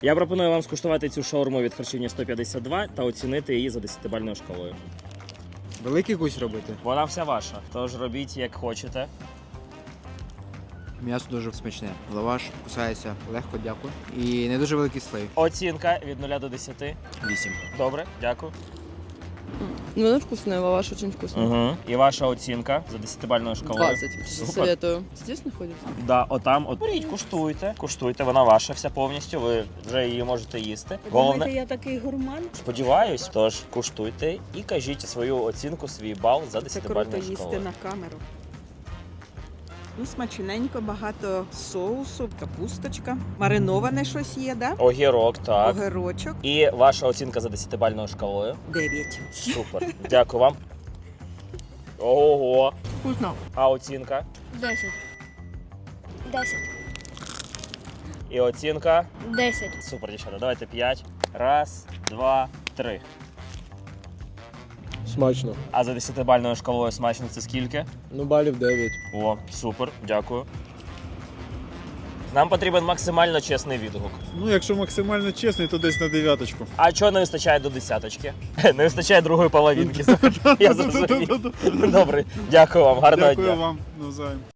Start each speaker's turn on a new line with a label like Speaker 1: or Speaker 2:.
Speaker 1: Я пропоную вам скуштувати цю шаурму від харчівні 152 та оцінити її за 10-бальною шкалою.
Speaker 2: Великий гусь робити.
Speaker 1: Вона вся ваша, тож робіть як хочете.
Speaker 2: М'ясо дуже смачне. Лаваш кусається легко, дякую. І не дуже великий слой.
Speaker 1: Оцінка від 0 до 10.
Speaker 2: 8.
Speaker 1: Добре, дякую.
Speaker 3: Ну, она вкусная, лаваш очень вкусный.
Speaker 1: Угу. І ваша оцінка за 10-бальною шкалою?
Speaker 3: 20.
Speaker 1: Супер.
Speaker 3: Советую. Здесь находится?
Speaker 1: Да, отам, от беріть, куштуйте. Куштуйте, вона ваша вся повністю, ви вже її можете їсти.
Speaker 4: Думаєте, я такий гурман?
Speaker 1: Сподіваюсь, тож куштуйте і кажіть свою оцінку, свій бал за
Speaker 4: Це круто
Speaker 1: 10-бальною
Speaker 4: їсти
Speaker 1: шкалою.
Speaker 4: на камеру. Ну, смачненько, багато соусу, капусточка. Мариноване щось є, да?
Speaker 1: Огірок, так.
Speaker 4: Огірочок.
Speaker 1: І ваша оцінка за 10-бальною шкалою?
Speaker 4: 9.
Speaker 1: Супер. Дякую вам. Ого.
Speaker 3: Вкусно.
Speaker 1: А оцінка?
Speaker 5: 10. 10.
Speaker 1: І оцінка?
Speaker 5: 10.
Speaker 1: Супер, дівчата. Давайте 5. Раз, два, три.
Speaker 6: Смачно.
Speaker 1: А за 10-бальною шкалою смачно це скільки?
Speaker 6: Ну, балів 9.
Speaker 1: О, супер, дякую. Нам потрібен максимально чесний відгук.
Speaker 7: Ну, якщо максимально чесний, то десь на 9.
Speaker 1: А чого не вистачає до 10-очки? Не вистачає другої половинки. Я зрозумів. Добре, дякую вам, гарного дня.
Speaker 7: Дякую вам навзаєм.